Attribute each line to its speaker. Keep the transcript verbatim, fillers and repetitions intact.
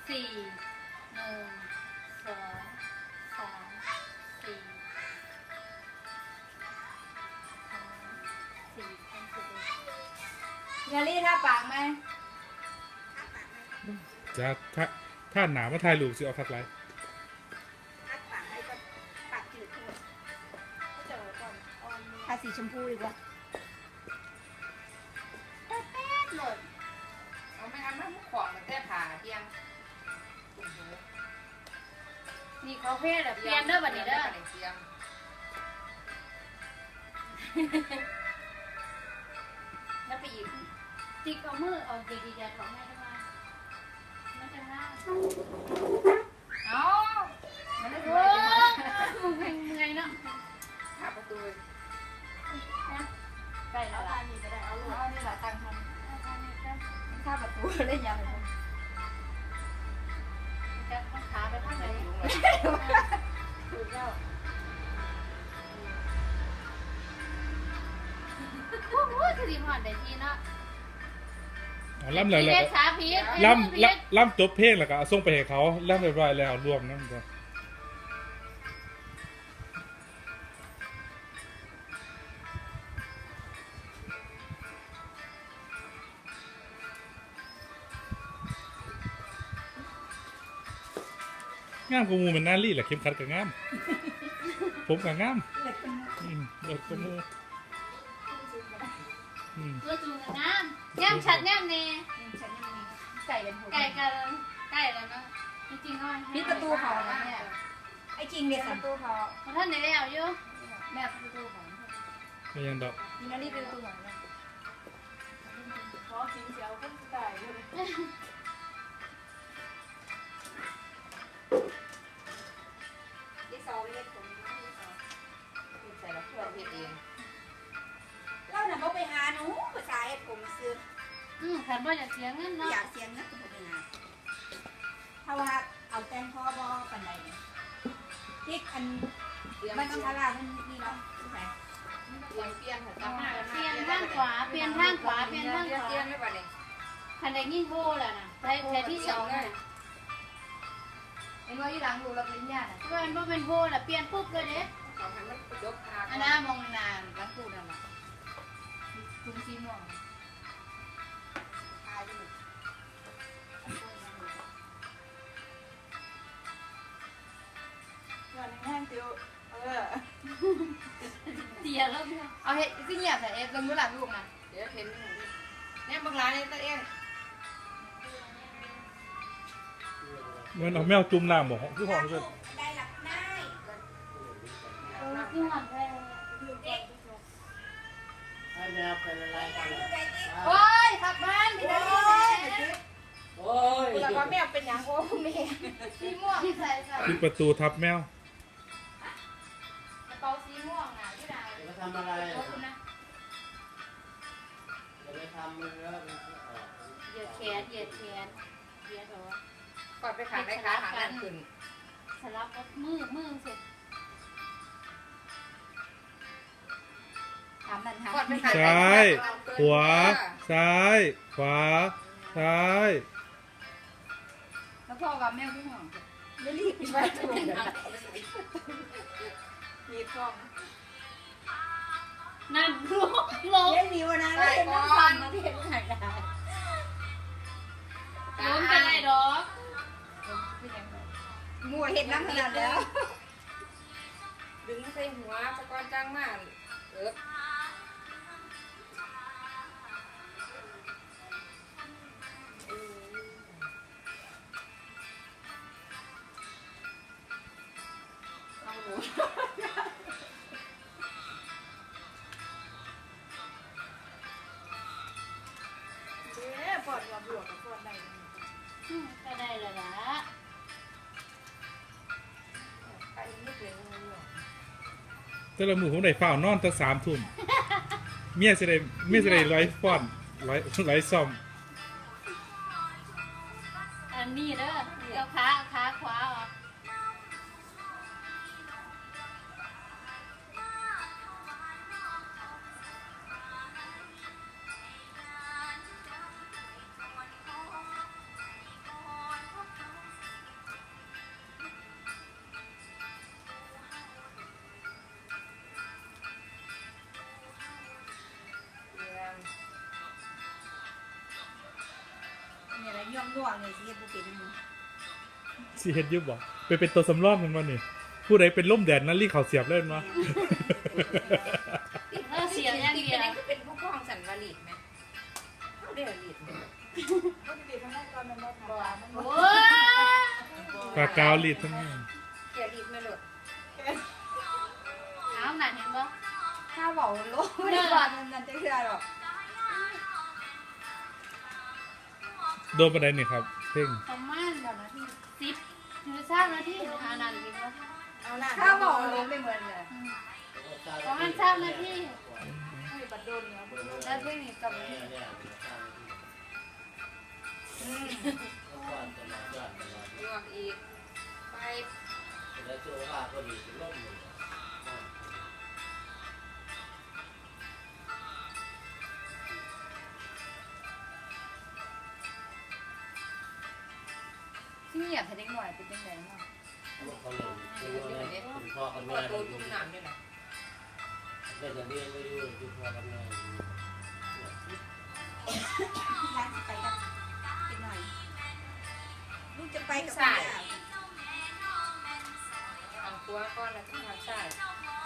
Speaker 1: สี่หนึ่งสองสามสี่สี่เป็นสิบเยลลี่ท่าปากไหม
Speaker 2: จะถ้าถ้าหนามาถ่ายรูปสิเอาคัดไลท์
Speaker 1: ทาสีชมพูดีกว่าแป๊ดหล่นเอาไม่เอาไม่มุกขวางมันแค่ผ่าเทียงนี่เขาเพศแบบเปลี่ยนเด้อบัดนี้เด้อแล้วไปอีกติ๊กเอามือเอาดีๆจะของแม่ทำไมไม่จะง่ายเอามันไม่รู้มึงมึงไงเนาะหาประตูใกล้แล้วล่ะนี่ก็ได้เอาลูกเอานี่แหละตั้งทำข้าประตูเล่นยาวเลยจะต้องขาไปข้างไหนถูกแล้วโอ้โหคือดีหอดได้ทีเนาะ
Speaker 2: ล่ำเลยแล้วล่ำล่ำล่ำจบเพลงแล้วก็ส่งไปให้เขาล่ำเรียบร้อยแล้วรวมนั่นก็งามกว่ามูมันน่ารีแหละเข้มขัดกับงามผมกับงามเด็กกว่ามู
Speaker 1: ตัวจูงกับน้ำย่ำชัดย่ำเน่ไก่กันไก่กันไก่แล้วเนาะจริงๆก็มีประตูเขาแล้วเนี่ยไอ้จริงเด็กประตูเขาท่านไหนแล้วอยู่แม่ประตูเขา
Speaker 2: ไม่ยังดอก
Speaker 1: มีนาฬิกาประตูเขาเนี่ยขอกินเสียวก็ไก่เลย
Speaker 3: เราหน่ะบ่ไปหาหนูภาษาเอ็ดผมซื้อ
Speaker 1: อืมขันบ่อยากเสียเงินเนาะ
Speaker 3: อยากเสียเงินก็บ่ไปหาถ้าว่าเอาแต่งพ่อบ่ปานใดที่อันมันต้องทารามันนี่เนาะใช่
Speaker 1: เปลี่ยนเปลี่ยนค่ะเปลี่ยนทางขวาเปลี่ยนทางขวาเปลี่ยนทางขวาเปลี่ยนไม่ปานใดคันใดยิ่งโบแหละน่ะใช้ใช้ที่สองน่ะเห็นว่าอยู่หลังรูรับปริญญาน่ะว่ามันบ่เป็นโบน่ะเปลี่ยนปุ๊บเลยเด้อันน่ะมองนานหลังกูนั่นน่ะทุ่งสีม่วง
Speaker 3: วันนี้แห้งติวเออ
Speaker 1: เตียแล้วเอาเห็ดที่เงียบแต่เอฟลงมือหลังลูกนะเดี๋ยวเห็นเนี่ยบางร้านนี่ตัวเอง
Speaker 2: เงินเอาแมวจุ่มน้ำบอกคือห้องเลย
Speaker 3: ได้หลับได้
Speaker 1: เออคือหอมแท้โอ้ยขับบ้านพี่ได้
Speaker 3: โอ้ยแล้วก็แมวเป็นอย่างโอ้แม่
Speaker 1: สีม่วงที่ใส่ใส่
Speaker 2: ปิดประตูทับแมว
Speaker 1: กระเป๋าสีม่วงน่ะที่ไหน
Speaker 4: จะทำอะไร
Speaker 1: ขอบคุณนะ
Speaker 4: จะไปทำมันแล้ว
Speaker 1: เหยียดแขนเหยียดแขนเหยียดเหรอ
Speaker 3: ก่อนไปขาได้ขาหางกันขึ้น
Speaker 1: สลับกับมือมือเสร็จ
Speaker 2: ซ้ายขวาซ้ายขวาซ้าย
Speaker 1: แล้วพ่อกับแม่พี่ห่วง
Speaker 3: ไม่รีบไปถูกมีกล้อง
Speaker 1: นั่นลูกลง
Speaker 3: เล่นนิ้วนะเล่นน้ำฟันนะที่เห็นถ่ายได้
Speaker 1: ล้มกันไรดอก
Speaker 3: มัวเห็นน้ำขนาดแล้ว
Speaker 1: ดึงใส่หัวสะกอนจ้างมากเออ
Speaker 3: ปอดกับหลวกกับปอดได้
Speaker 1: ก็ได้แล้วละ
Speaker 3: ไปนิดเดียว
Speaker 2: แต่ละมือผมได้ฝ้านอนตั้งสามทุ่มเมียจะได้เมียจะได้ร้อยฟอนร้อยร้อยซ่อม
Speaker 1: อันนี้เด้อเอาขาขาขวาออก
Speaker 3: ย่องย่องเลยสิเฮ็ดบ่เป็นมึง
Speaker 2: สิเฮ็ดอยุบบ่ไปเป็นตัวสำรองกันมานี่ผู้ใดเป็นล่มแดดนั่นรีเขาเสียบเล่นมา
Speaker 1: เออเสียงอย่างเดียว
Speaker 5: ก็เป็นผู้กองสันวลีดไหมเขาได้ลีดไหม
Speaker 3: ปกติทำได้ตอนมันบ่ทำมัน
Speaker 1: โอ้
Speaker 3: บ่
Speaker 1: ย
Speaker 2: ปากกาวรีดทั้งนั้น
Speaker 5: เกียลีดไม่หลุด
Speaker 1: เอาหนักเห็นบ่
Speaker 3: ถ้าเว้าโลกไม่ได้ก่อนมันจะเชื่อหรอก
Speaker 2: โดนประเด็นนี่ครับเพ่ง
Speaker 1: ประมาณแบบนาทีสิบหรือสามนาทีหานาทีบ่
Speaker 5: เอาหน้า
Speaker 3: ถ้าเว้าโลกไม่เหมือนเลย
Speaker 1: ประมาณสามนาที
Speaker 3: ไม่บัดโดนเนาะ
Speaker 1: แล้วเพลงนี้กับ
Speaker 4: เนี่ยเนี่ย
Speaker 5: อืม
Speaker 4: ก่อนตลอดย้อนตลอด
Speaker 5: ยวกอีกไป
Speaker 4: แล้วโจ้ว่าก็ดีล่มอยู่
Speaker 3: ที่เงียบให้เด็กหน่อยเป็นจังได๋เนาะ
Speaker 4: เขาเลยคือว่าคุณพ่อกับ
Speaker 5: พ
Speaker 4: แม่
Speaker 5: อตัวจุ่มน้ำด้วยนะ
Speaker 4: ได้จะเรียนไม่รู้คือพ่อกับแม่
Speaker 3: ร้านสิไปกับเป็นหน่อยลูกจะไปกับ
Speaker 5: ทางตัวก้อนแล้วก็ทางซ้าย
Speaker 3: เ